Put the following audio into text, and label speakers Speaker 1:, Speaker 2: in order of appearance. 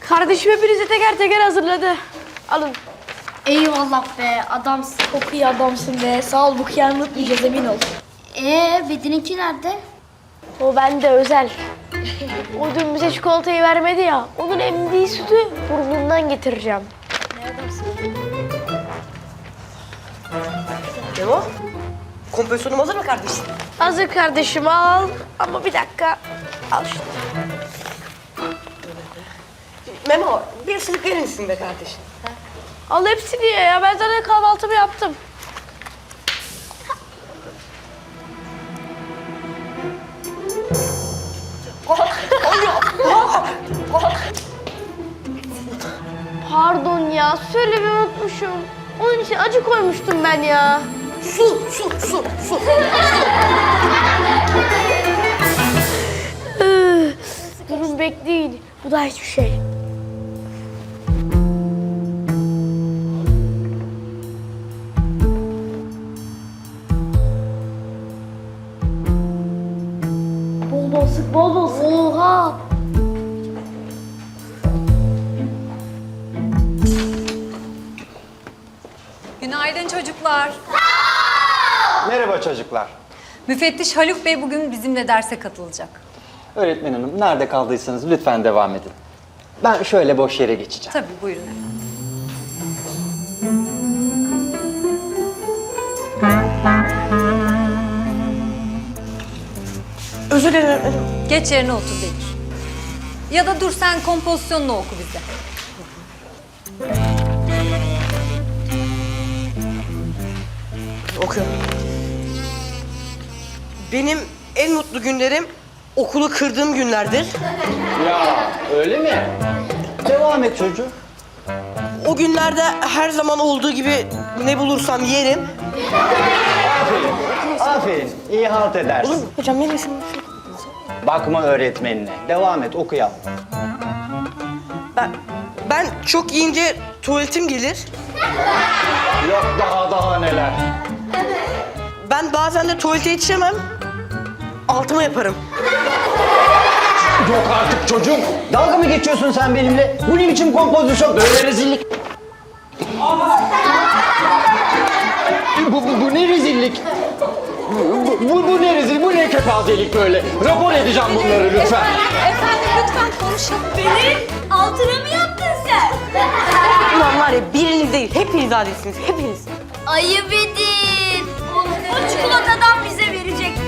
Speaker 1: Kardeşim hepinize teker teker hazırladı. Alın.
Speaker 2: Eyvallah be, adamsın.
Speaker 1: Çok iyi adamsın be. Sağ ol, bu kıyamı unutmayacağız, emin ol.
Speaker 2: Bedin'inki nerede?
Speaker 1: O bende özel. O dün bize çikolatayı vermedi ya. Onun emdiği sütü burnundan getireceğim.
Speaker 3: Memo, kompozisyonum hazır mı kardeşim?
Speaker 1: Hazır kardeşim, al. Ama bir dakika. Al şunu.
Speaker 3: Memo, bir ısırık verir misin be kardeşim?
Speaker 1: Al hepsini ye ya. Ben zaten kahvaltımı yaptım. Pardon ya. Söylemeyi unutmuşum. Onun için acı koymuştum ben ya.
Speaker 3: Su.
Speaker 1: Durun, bekleyin. Bu da hiçbir şey. Bol bol sık, bol bol sık. Oha!
Speaker 4: Günaydın çocuklar.
Speaker 5: Merhaba çocuklar.
Speaker 4: Müfettiş Haluk Bey bugün bizimle derse katılacak.
Speaker 5: Öğretmen hanım, nerede kaldıysanız lütfen devam edin. Ben şöyle boş yere geçeceğim.
Speaker 4: Tabii buyurun efendim.
Speaker 3: Özür dilerim öğretmenim.
Speaker 4: Geç yerine otur Bekir. Ya da dur sen kompozisyonunu oku bize.
Speaker 3: Okuyorum. Benim en mutlu günlerim okulu kırdığım günlerdir.
Speaker 5: Ya öyle mi? Devam et çocuğum.
Speaker 3: O günlerde her zaman olduğu gibi ne bulursam yerim.
Speaker 5: Aferin, iyi halt
Speaker 3: Olur
Speaker 5: edersin.
Speaker 3: mu? Hocam yemesin.
Speaker 5: Bakma öğretmenine. Devam et, okuyalım.
Speaker 3: Ben çok yiyince tuvaletim gelir.
Speaker 5: Yok daha neler.
Speaker 3: Ben bazen de tuvalete yetişemem. Altıma yaparım.
Speaker 5: Yok artık çocuğum. Dalga mı geçiyorsun sen benimle? Bu ne biçim kompozisyon? Böyle rezillik. Bu ne rezillik? Bu ne rezil, bu ne kepazelik böyle? Rapor edeceğim bunları lütfen.
Speaker 4: Efendim lütfen konuşalım.
Speaker 2: Altına mı yaptın sen?
Speaker 3: Ulan var ya biriniz değil, hepiniz adilsiniz, hepiniz.
Speaker 2: Ayıp edin. O çikolatadan bize verecek.